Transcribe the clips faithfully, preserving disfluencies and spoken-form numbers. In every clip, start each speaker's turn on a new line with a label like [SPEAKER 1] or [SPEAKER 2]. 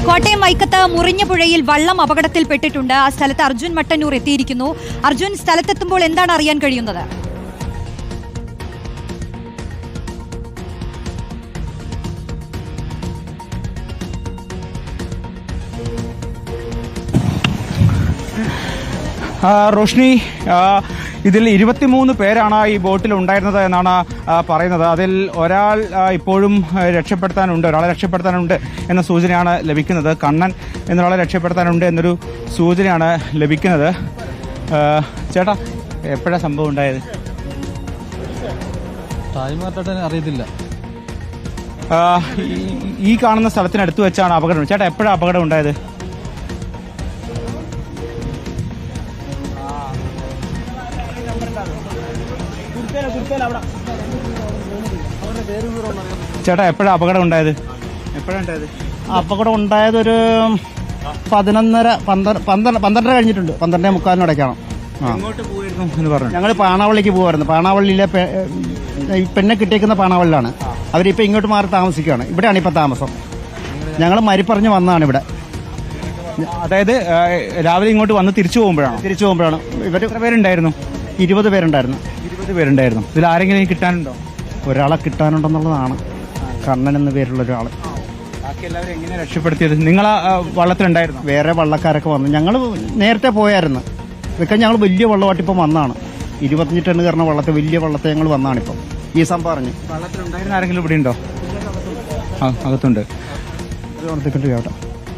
[SPEAKER 1] കോട്ടയം വൈക്കത്ത് മുറിഞ്ഞപുഴയിൽ വള്ളം അപകടത്തിൽപ്പെട്ടിട്ടുണ്ട്. ആ സ്ഥലത്ത് അർജുൻ മട്ടന്നൂർ എത്തിയിരിക്കുന്നു. അർജുൻ, സ്ഥലത്തെത്തുമ്പോൾ എന്താണ് അറിയാൻ കഴിയുന്നത്?
[SPEAKER 2] റോഷ്നി, ഇതിൽ ഇരുപത്തിമൂന്ന് പേരാണ് ഈ ബോട്ടിൽ ഉണ്ടായിരുന്നത് എന്നാണ് പറയുന്നത്. അതിൽ ഒരാൾ ഇപ്പോഴും രക്ഷപ്പെടുത്താനുണ്ട് ഒരാളെ രക്ഷപ്പെടുത്താനുണ്ട് എന്ന സൂചനയാണ് ലഭിക്കുന്നത്. കണ്ണൻ എന്നൊരാളെ രക്ഷപ്പെടുത്താനുണ്ട് എന്നൊരു സൂചനയാണ് ലഭിക്കുന്നത്. ചേട്ടാ, എപ്പോഴാണ് സംഭവം ഉണ്ടായത്?
[SPEAKER 3] അറിയത്തില്ല.
[SPEAKER 2] ഈ കാണുന്ന സ്ഥലത്തിനടുത്ത് വെച്ചാണ് അപകടം. ചേട്ടാ, എപ്പോഴാണ് അപകടം ഉണ്ടായത്? ചേട്ടാ, എപ്പോഴാണ് അപകടം ഉണ്ടായത്? എപ്പോഴാണ് ഉണ്ടായത്?
[SPEAKER 3] അപകടം ഉണ്ടായത് ഒരു പതിനൊന്നര പന്ത്രണ്ട് പന്ത്രണ്ടര കഴിഞ്ഞിട്ടുണ്ട്. പന്ത്രണ്ടേ മുക്കാലിനടയ്ക്കാണ്. ഞങ്ങൾ പാണാവള്ളിക്ക് പോകുമായിരുന്നു. പാണാവള്ളിയിലെ പെണ്ണെ കിട്ടിയേക്കുന്ന പാണാവള്ളിലാണ്. അവരിപ്പോൾ ഇങ്ങോട്ട് മാറി താമസിക്കുകയാണ്. ഇവിടെയാണ് ഇപ്പം താമസം. ഞങ്ങൾ മരിപ്പറഞ്ഞ് വന്നതാണ് ഇവിടെ.
[SPEAKER 2] അതായത് രാവിലെ ഇങ്ങോട്ട് വന്ന് തിരിച്ചു പോകുമ്പോഴാണ്
[SPEAKER 3] തിരിച്ചു പോകുമ്പോഴാണ്
[SPEAKER 2] ഇവർ എത്ര പേരുണ്ടായിരുന്നു?
[SPEAKER 3] ഇരുപത് പേരുണ്ടായിരുന്നു.
[SPEAKER 2] ഇരുപത് പേരുണ്ടായിരുന്നു. ഇതിൽ ആരെങ്കിലും കിട്ടാനുണ്ടോ?
[SPEAKER 3] ഒരാളെ കിട്ടാനുണ്ടെന്നുള്ളതാണ്. കണ്ണൻ എന്ന പേരുള്ള ഒരാൾ.
[SPEAKER 2] ബാക്കി എല്ലാവരും എങ്ങനെ രക്ഷപ്പെടുത്തിയത്? നിങ്ങൾ വള്ളത്തിലുണ്ടായിരുന്നു?
[SPEAKER 3] വേറെ വള്ളക്കാരൊക്കെ വന്നു. ഞങ്ങൾ നേരത്തെ പോയായിരുന്നു. ഇതൊക്കെ ഞങ്ങൾ വലിയ വള്ളമായിട്ടിപ്പം വന്നാണ്. ഇരുപത്തഞ്ച് ടണ്ണ് കയറുന്ന വള്ളത്തെ വലിയ വള്ളത്തെ ഞങ്ങൾ വന്നാണിപ്പം ഈ സംഭവം അറിഞ്ഞ്.
[SPEAKER 2] വള്ളത്തിലുണ്ടായിരുന്ന ആരെങ്കിലും ഇവിടെ ഉണ്ടോ? ആ, അകത്തുണ്ട്.
[SPEAKER 3] കേട്ടോ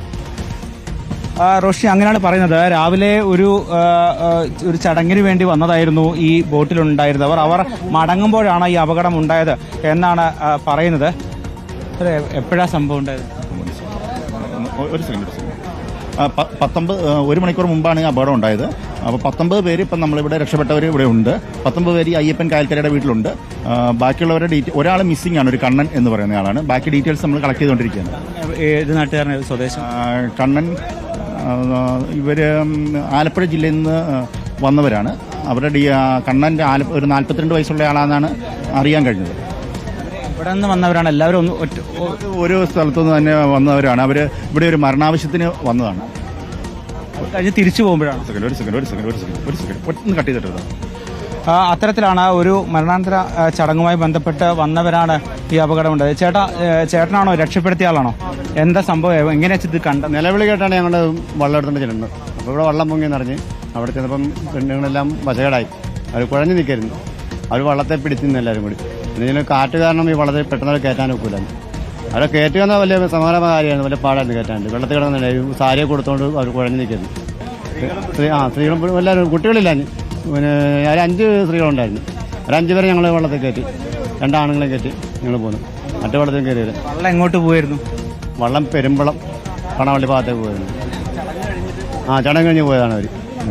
[SPEAKER 2] റോഷി, അങ്ങനെയാണ് പറയുന്നത്. രാവിലെ ഒരു ഒരു ചടങ്ങിന് വേണ്ടി വന്നതായിരുന്നു ഈ ബോട്ടിലുണ്ടായിരുന്നവർ. അവർ മടങ്ങുമ്പോഴാണ് ഈ അപകടം ഉണ്ടായത് എന്നാണ് പറയുന്നത്. എപ്പോഴാണ് സംഭവം ഉണ്ടായത്?
[SPEAKER 4] ഒരു സെക്കൻഡ് പത്തൊമ്പത് ഒരു മണിക്കൂർ മുമ്പാണ് ഈ അപകടം ഉണ്ടായത്. അപ്പോൾ പത്തൊമ്പത് പേര് ഇപ്പം നമ്മളിവിടെ രക്ഷപ്പെട്ടവർ ഇവിടെ ഉണ്ട്. പത്തൊമ്പത് പേര് ഈ അയ്യപ്പൻ കായൽക്കരയുടെ വീട്ടിലുണ്ട്. ബാക്കിയുള്ളവരുടെ ഡീറ്റെയിൽ ഒരാൾ മിസ്സിംഗ് ആണ്, ഒരു കണ്ണൻ എന്ന് പറയുന്ന ആളാണ്. ബാക്കി ഡീറ്റെയിൽസ് നമ്മൾ കളക്ട് ചെയ്തുകൊണ്ടിരിക്കുകയാണ്.
[SPEAKER 2] ഏത് നാട്ടുകാരൻ? സ്വദേശം?
[SPEAKER 4] കണ്ണൻ ഇവർ ആലപ്പുഴ ജില്ലയിൽ നിന്ന് വന്നവരാണ്. അവരുടെ ഡി കണ്ണൻ്റെ ആല ഒരു നാൽപ്പത്തിരണ്ട് വയസ്സുള്ള ആളാണെന്നാണ് അറിയാൻ കഴിഞ്ഞത്.
[SPEAKER 2] ഇവിടെ നിന്ന് വന്നവരാണ് എല്ലാവരും? ഒന്ന്
[SPEAKER 4] ഒരു സ്ഥലത്തുനിന്ന് തന്നെ വന്നവരാണ്. അവർ ഇവിടെ ഒരു മരണാവശ്യത്തിന് വന്നതാണ്.
[SPEAKER 2] കഴിഞ്ഞ് തിരിച്ചു പോകുമ്പോഴാണ്.
[SPEAKER 4] ഒരു സെക്കൻഡ് ഒരു സെക്കൻഡ് ഒരു സെക്കൻഡ് ഒരു സെക്കൻഡ് ഒരു സെക്കൻഡ് ഒന്ന് കട്ട് ചെയ്തിട്ട്.
[SPEAKER 2] അത്തരത്തിലാണ് ഒരു മരണാനന്തര ചടങ്ങുമായി ബന്ധപ്പെട്ട് വന്നവരാണ് ഈ അപകടം ഉണ്ടായത്. ചേട്ടാ, ചേട്ടനാണോ രക്ഷപ്പെടുത്തിയ ആളാണോ? എന്താ സംഭവം? എങ്ങനെയാ ഇത് കണ്ട?
[SPEAKER 3] നിലവിളി കേട്ടാണ് ഞങ്ങൾ വള്ളം എടുത്തുകൊണ്ട് ചെല്ലുന്നത്. അപ്പോൾ ഇവിടെ വള്ളം പൊങ്ങി നിറഞ്ഞ് അവിടെ ചെന്നപ്പം പെണ്ണുങ്ങളെല്ലാം വശകേടായി. അവർ കുഴഞ്ഞു നിൽക്കായിരുന്നു. അവർ വള്ളത്തെ പിടിച്ചു നിന്ന് എല്ലാവരും കൂടി. പിന്നെ ഇതിന് കാറ്റ് കാരണം ഈ വള്ളത്തെ പെട്ടെന്ന് കയറ്റാൻ ഒക്കില്ലായിരുന്നു. അവരെ കയറ്റുക എന്നാൽ വലിയ സമാനമായ കാര്യമാണ്. വലിയ പാടായിരുന്നു കയറ്റാണ്ട്. വെള്ളത്തിൽ കിടന്നുണ്ടായി സാരിയെ കൊടുത്തോണ്ട് അവർ കുഴഞ്ഞു നിൽക്കുന്നു. സ്ത്രീ ആ സ്ത്രീകളും എല്ലാവരും കുട്ടികളില്ല. പിന്നെ ഒരു അഞ്ച് സ്ത്രീകളുണ്ടായിരുന്നു. ഒരു അഞ്ച് പേരെ ഞങ്ങൾ വള്ളത്തിൽ കയറ്റി. രണ്ടാണുങ്ങളെ കയറ്റി ഞങ്ങൾ പോന്നു. മറ്റു വള്ളത്തിൽ കയറിയത്.
[SPEAKER 2] വള്ളം എങ്ങോട്ട് പോയിരുന്നു?
[SPEAKER 3] വള്ളം പെരുമ്പളം പണവള്ളി ഭാഗത്തേക്ക് പോയിരുന്നു. ആ ചടങ്ങ് കഴിഞ്ഞ് പോയതാണ് അവർ.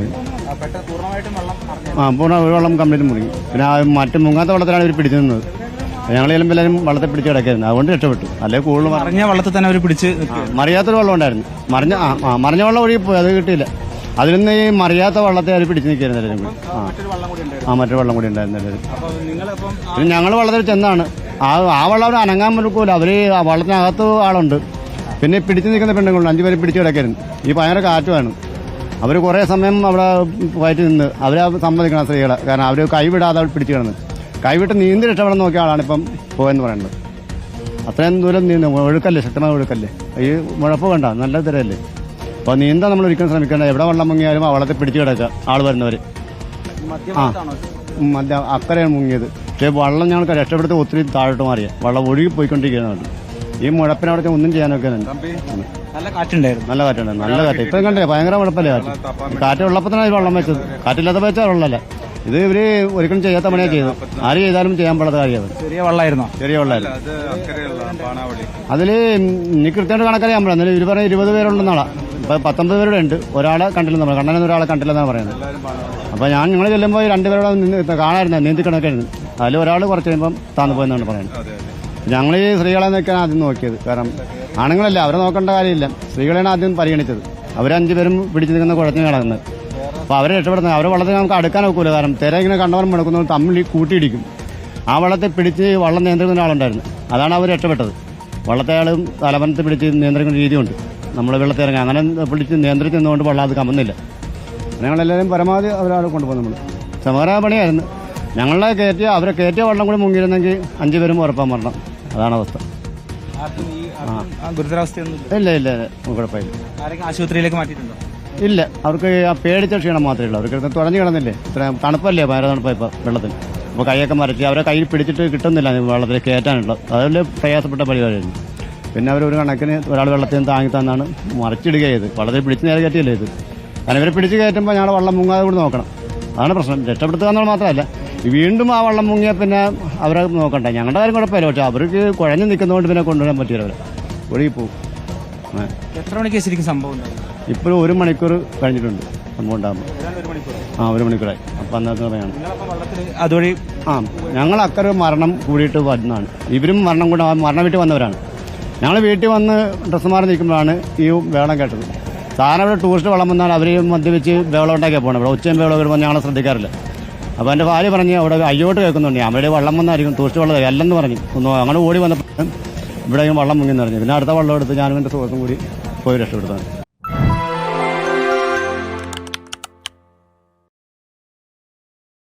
[SPEAKER 3] ആ പൂർണ്ണ ഒരു വള്ളം കംപ്ലീറ്റ് മുറിഞ്ഞു. പിന്നെ ആ മറ്റു മുങ്ങാത്ത വള്ളത്തിലാണ് ഇവർ പിടിച്ചു നിന്നത്. ഞങ്ങൾ ചെല്ലുമ്പോൾ എല്ലാവരും വള്ളത്തെ പിടിച്ച് കിടക്കായിരുന്നു. അതുകൊണ്ട് രക്ഷപ്പെട്ടു. അല്ലെങ്കിൽ കൂടുതൽ
[SPEAKER 2] മറിഞ്ഞ വള്ളത്തിൽ തന്നെ അവർ പിടിച്ച്.
[SPEAKER 3] മറിയാത്തൊരു വള്ളം ഉണ്ടായിരുന്നു. മറിഞ്ഞ ആ മറിഞ്ഞ വള്ളം ഒഴുകി പോയി. അത് കിട്ടിയില്ല. അതിൽ നിന്ന് ഈ മറിയാത്ത വള്ളത്തെ അവർ പിടിച്ച് നിൽക്കായിരുന്നു എല്ലാവരും കൂടി. ആ ആ മറ്റൊരു വള്ളം കൂടി ഉണ്ടായിരുന്നു എല്ലാവരും. പിന്നെ ഞങ്ങൾ വള്ളത്തിൽ ചെന്നാണ്. ആ ആ വള്ളം അവർ അനങ്ങാൻ പറ്റില്ല. അവർ ആ വള്ളത്തിനകത്ത് ആളുണ്ട്. പിന്നെ പിടിച്ച് നിൽക്കുന്ന പെണ്ണുങ്ങളുണ്ട്. അഞ്ചു പേര് പിടിച്ച് കിടക്കായിരുന്നു. ഈ ഭയങ്കര കാറ്റുമാണ്. അവർ കുറേ സമയം അവിടെ വയറ്റി നിന്ന് അവരെ സമ്മതിക്കണം സ്ത്രീകളെ. കാരണം അവർ കൈവിടാതെ അവർ പിടിച്ച് കിടന്ന് കൈവിട്ട് നീന്തി രക്ഷപ്പെടാൻ നോക്കിയ ആളാണ് ഇപ്പം പോയെന്ന് പറയുന്നത്. അത്രയും ദൂരം നീന്തും. ഒഴുക്കല്ലേ, ശക്തമായ ഒഴുക്കല്ലേ. ഈ മുഴപ്പ് കണ്ട നല്ല തിരയല്ലേ. അപ്പോൾ നീന്താൻ നമ്മൾ ഒരിക്കലും ശ്രമിക്കേണ്ട. എവിടെ വെള്ളം മുങ്ങിയാലും ആ വള്ളത്തെ പിടിച്ച് കിടക്കുക ആൾ വരുന്നവർ. ആ മധ്യ അക്കരെയാണ് മുങ്ങിയത്. പക്ഷേ വള്ളം ഞങ്ങൾക്ക് രക്ഷപ്പെടുത്തി ഒത്തിരി താഴോട്ട് മാറിയ വള്ളം ഒഴുകി പോയിക്കൊണ്ടിരിക്കുന്നതാണ്. ഈ മുഴപ്പിനവിടെ ഒന്നും ചെയ്യാനൊക്കെ
[SPEAKER 2] നല്ല കാറ്റുണ്ടായിരുന്നു.
[SPEAKER 3] നല്ല കാറ്റുണ്ടായിരുന്നു. നല്ല കാറ്റ്. ഇപ്പം കണ്ടില്ലേ, ഭയങ്കര മുഴപ്പല്ലേ കാറ്റ്. കാറ്റ് ഉള്ളപ്പോൾ തന്നെ വെള്ളം വെച്ചത്. കാറ്റില്ലാത്ത വെച്ചാൽ വെള്ളമല്ല. ഇത് ഇവര് ഒരിക്കലും ചെയ്യാത്ത പണിയാണ് ചെയ്തത്. ആര് ചെയ്താലും ചെയ്യാൻ പാടാത്ത കാര്യമാണ്.
[SPEAKER 2] ചെറിയ വെള്ളമായിരുന്നോ?
[SPEAKER 3] ചെറിയ വെള്ളമായിരുന്നു. അതിൽ ഇനി കൃത്യമായിട്ട് കണക്കറിയാൻ പറ്റില്ല. എന്നാലും ഇവര് പറഞ്ഞ ഇരുപത് പേരുണ്ടെന്നാളാ. ഇപ്പം പത്തൊമ്പത് പേരുടെ ഉണ്ട്. ഒരാളെ കണ്ടില്ലെന്ന് പറയാം. കണ്ണനെന്ന് ഒരാളെ കണ്ടില്ലെന്നാണ് പറയുന്നത്. അപ്പോൾ ഞാൻ നിങ്ങൾ ചെല്ലുമ്പോൾ രണ്ടുപേരോടെ നിന്ന് കാണാമായിരുന്നു. നീന്തി കണക്കായിരുന്നു. അതിൽ ഒരാൾ കുറച്ച് കഴിയുമ്പം താന്നു പോയെന്നാണ് പറയുന്നത്. ഞങ്ങൾ ഈ സ്ത്രീകളെ നോക്കിയാണ് ആദ്യം നോക്കിയത്. കാരണം ആണുങ്ങളല്ല, അവരെ നോക്കേണ്ട കാര്യമില്ല. സ്ത്രീകളെയാണ് ആദ്യം പരിഗണിച്ചത്. അവരഞ്ചു പേരും പിടിച്ചു നിൽക്കുന്ന കുഴഞ്ഞു കിടക്കുന്നത്. അപ്പോൾ അവരെ രക്ഷപ്പെടുന്നത്. അവരെ വള്ളത്തിൽ നമുക്ക് അടുക്കാൻ ഒക്കില്ല. കാരണം തിര ഇങ്ങനെ കണ്ടവരും മുടക്കുന്നവർ തമ്മിൽ കൂട്ടിയിടിക്കും. ആ വള്ളത്തെ പിടിച്ച് വള്ളം നിയന്ത്രിക്കുന്ന ഒരാളുണ്ടായിരുന്നു. അതാണ് അവർ രക്ഷപ്പെട്ടത്. വള്ളത്തെ ആളും തലവനത്തെ പിടിച്ച് നിയന്ത്രിക്കുന്ന രീതിയുണ്ട്. നമ്മൾ വെള്ളത്തിൽ ഇറങ്ങി അങ്ങനെ പിടിച്ച് നിയന്ത്രിച്ച് നിന്നുകൊണ്ട് വെള്ളം അത് കമ്മുന്നില്ല. ഞങ്ങളെല്ലാവരും പരമാവധി അവരാണ് കൊണ്ടുപോകുന്നത്. നമ്മൾ സമര പണിയായിരുന്നു. ഞങ്ങളെ കയറ്റിയ അവരെ കയറ്റിയ വെള്ളം കൂടി മുങ്ങിയിരുന്നെങ്കിൽ അഞ്ചു പേരും ഉറപ്പാൻ മരണം. അതാണ് അവസ്ഥ.
[SPEAKER 2] ഗുരുതരാവസ്ഥയൊന്നും
[SPEAKER 3] ഇല്ല ഇല്ല കുഴപ്പമില്ല.
[SPEAKER 2] ആരെങ്കിലും ആശുപത്രിയിലേക്ക് മാറ്റിയിട്ടുണ്ടോ?
[SPEAKER 3] ഇല്ല, അവർക്ക് ആ പേടിച്ച ക്ഷീണം മാത്രമേ ഉള്ളൂ. അവർക്ക് തുറഞ്ഞു കിടന്നില്ലേ, ഇത്ര തണുപ്പല്ലേ, ഭയങ്കര തണുപ്പാ ഇപ്പോൾ വെള്ളത്തിൽ. അപ്പോൾ കൈയൊക്കെ മരച്ച് അവരെ കയ്യിൽ പിടിച്ചിട്ട് കിട്ടുന്നില്ല വെള്ളത്തിൽ കയറ്റാനുള്ളത്. അതിൽ പ്രയാസപ്പെട്ട പരിപാടിയായിരുന്നു. പിന്നെ അവർ ഒരു കണക്കിന് ഒരാൾ വെള്ളത്തിൽ നിന്ന് താങ്ങി തന്നാണ് മറിച്ചിടുക ചെയ്ത്. വളരെ പിടിച്ച് നേരെ കയറ്റിയല്ലേ ഇത്. കാരണം ഇവരെ പിടിച്ച് കയറ്റുമ്പോൾ ഞങ്ങൾ വെള്ളം മുങ്ങാതെ കൂടി നോക്കണം. അതാണ് പ്രശ്നം. രക്ഷപ്പെടുത്തുക എന്നുള്ള മാത്രമല്ല, വീണ്ടും ആ വെള്ളം മുങ്ങിയാൽ പിന്നെ അവരെ നോക്കണ്ട. ഞങ്ങളുടെ കാര്യം കുഴപ്പമില്ല. പക്ഷെ അവർക്ക് കുഴഞ്ഞു നിൽക്കുന്നതുകൊണ്ട് പിന്നെ കൊണ്ടുവരാൻ പറ്റില്ല. അവരെ ഒഴുകി പോകും.
[SPEAKER 2] എത്ര മണിക്ക് ശരിക്കും സംഭവം?
[SPEAKER 3] ഇപ്പോഴും ഒരു മണിക്കൂർ കഴിഞ്ഞിട്ടുണ്ട് സംഭവം ഉണ്ടാകുമ്പോൾ. ആ ഒരു മണിക്കൂറായി. അപ്പം അന്നത്തെ പറയാണ്
[SPEAKER 2] അതുവഴി
[SPEAKER 3] ആ ഞങ്ങൾ അക്കരെ മരണം കൂടിയിട്ട് വരുന്നതാണ്. ഇവരും മരണം കൂടെ മരണം വീട്ടിൽ വന്നവരാണ്. ഞങ്ങൾ വീട്ടിൽ വന്ന് ഡ്രസ്സ് മാറി നിൽക്കുമ്പോഴാണ് ഈ വേളം കേട്ടത്. സാധാരണ ഇവിടെ ടൂറിസ്റ്റ് വെള്ളം വന്നാൽ അവർ മദ്യപിച്ച് വേളം ഉണ്ടാക്കിയാൽ പോകണം. ഇവിടെ ഉച്ചയും വേളം വരുമ്പോൾ ഞങ്ങളെ ശ്രദ്ധിക്കാറില്ല. അപ്പോൾ എൻ്റെ ഭാര്യ പറഞ്ഞ് അവിടെ അയ്യോട്ട് കേൾക്കുന്നുണ്ട്, അവിടെ വെള്ളം വന്നായിരിക്കും ടൂറിസ്റ്റ് വെള്ളം അല്ലെന്ന് പറഞ്ഞു. ഒന്ന് അങ്ങനെ ഓടി വന്നപ്പോൾ ഇവിടെ വെള്ളം മുങ്ങി നിറഞ്ഞു. പിന്നെ അടുത്ത വെള്ളം എടുത്ത് ഞാനും എൻ്റെ സുഹൃത്തും കൂടി പോയി രക്ഷപ്പെടുത്താണ്.